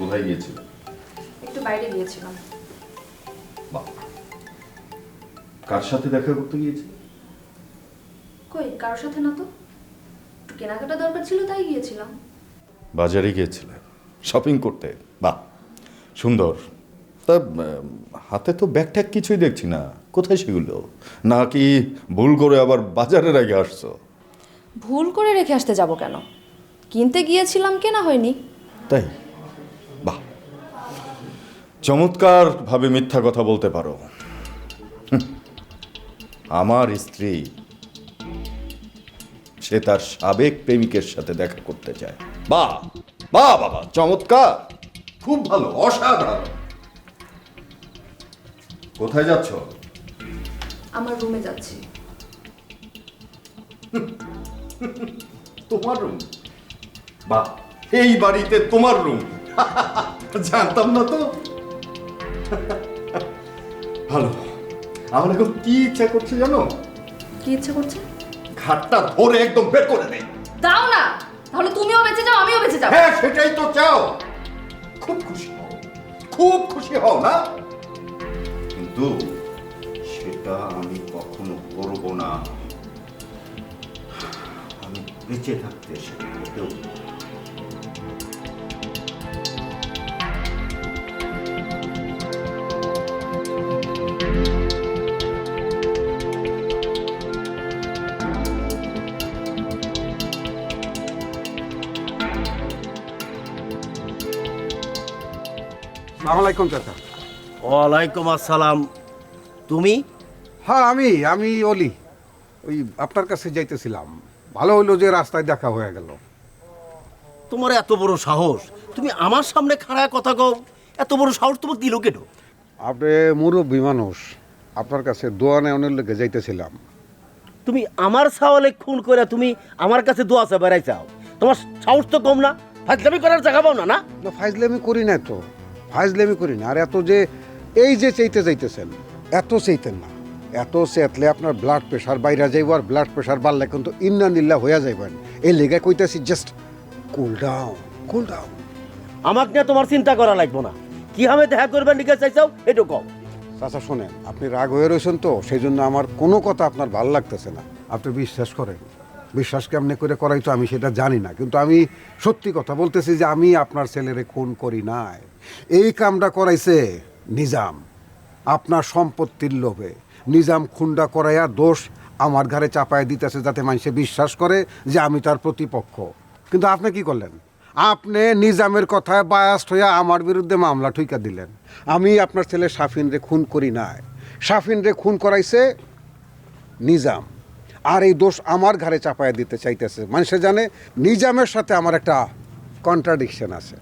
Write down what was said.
কোথায় গিয়েছিল? একটু বাইরে গিয়েছিলাম। বাহ, কার সাথে দেখা করতে গিয়েছিল? কই, কারোর সাথে না তো। একটু কেনাকাটা দরকার ছিল তাই গিয়েছিলাম। বাজারে গিয়েছিলে শপিং করতে? বাহ, সুন্দর। তা হাতে তো ব্যাগ ট্যাগ কিছুই দেখছি না, কোথায় সেগুলো? নাকি ভুল করে আবার বাজারে রেখে আসছো? ভুল করে রেখে আসতে যাব কেন? কিনতে গিয়েছিলাম, কেনা হয়নি। তাই? বাহ, চমৎকার ভাবে মিথ্যা কথা বলতে পারো। আমার স্ত্রী, সে তার সাবেক প্রেমিকের সাথে দেখা করতে চায়। বাহ বাহ বাবা, চমৎকার, খুব ভালো, অসাধারণ। কোথায় যাচ্ছ? আমার রুমে যাচ্ছি। তোমার রুম? বাহ, এই বাড়িতে তোমার রুম? জানতাম না তো। ভালো। আমার এখন কি ইচ্ছা করছে জানো? কি ইচ্ছে করছে? ঘাটটা ধরে একদম বের করে দে। দাও না, তাহলে তুমিও বেঁচে যাও, আমিও বেঁচে যাবো। হ্যাঁ, সেটাই তো চাও। খুব খুশি হও, খুব খুশি হও না? কিন্তু সেটা আমি কখনো করব না। আমি বেঁচে থাকতে সেটা করতেও আসসালামু আলাইকুম চাচা। ওয়ালাইকুম আসসালাম। তুমি? হ্যাঁ, আমি অলি। ওই আপনার কাছে যাইতেছিলাম। ভালো হইলো যে রাস্তায় দেখা হয়ে গেল। তোমার এত বড় সাহস, তুমি আমার সামনে খাড়ায় কথা কও? এত বড় সাহস তোমার দিল কেন? আপনি মুরব্বী মানুষ, আপনার কাছে দোয়া নেওয়ানোর লেগে যাইতেছিলাম। তুমি আমার সাওয়ালে খুন করে তুমি আমার কাছে দোয়া চা বেড়াই চাও? তোমার সাহস তো কম না? ফাজলামি করার জায়গা পাও না? না না, ফাইজলামি করি না তো, ফাইজলামি করি না। আর এত যে এই যে চাইতে যাইতেছেন, এত চাইতেন না। এত চেতলে আপনার ব্লাড প্রেশার বাইরে যাইব, আর ব্লাড প্রেশার বাড়লে কিন্তু ইন্নানিল্লাহ হইয়া যাইবেন। এই লেগে কইতাছি just cool down, cool down. আমাকে নিয়ে তোমার চিন্তা করা লাগবে না। কি আমি দেখা করবেন লিখে চাইছাও এটা কও। চাচা শোনেন, আপনি রাগ হয়ে রয়েছেন তো, সেই জন্য আমার কোনো কথা আপনার ভালো লাগতেছে না। আপনি বিশ্বাস করেন, বিশ্বাস কেমনে করে করাই তো আমি সেটা জানি না, কিন্তু আমি সত্যি কথা বলতেছি যে আমি আপনার ছেলেরে খুন করি নাই। এই কামটা করাইছে নিজাম, আপনার সম্পত্তির লোভে। নিজাম খুনটা করাইয়া দোষ আমার ঘাড়ে চাপায় দিতেছে, যাতে মানুষে বিশ্বাস করে যে আমি তার প্রতিপক্ষ। কিন্তু আপনি কি করলেন? আপনি নিজামের কথায় বায়াস্ট হইয়া আমার বিরুদ্ধে মামলা ঠুইকা দিলেন। আমি আপনার ছেলে শাফিন রে খুন করি নাই, শাফিন রে খুন করাইছে নিজাম। আর এই দোষ আমার ঘাড়ে চাপায় দিতে চাইতেছে। মানুষে জানে নিজামের সাথে আমার একটা কন্ট্রাডিকশন আছে।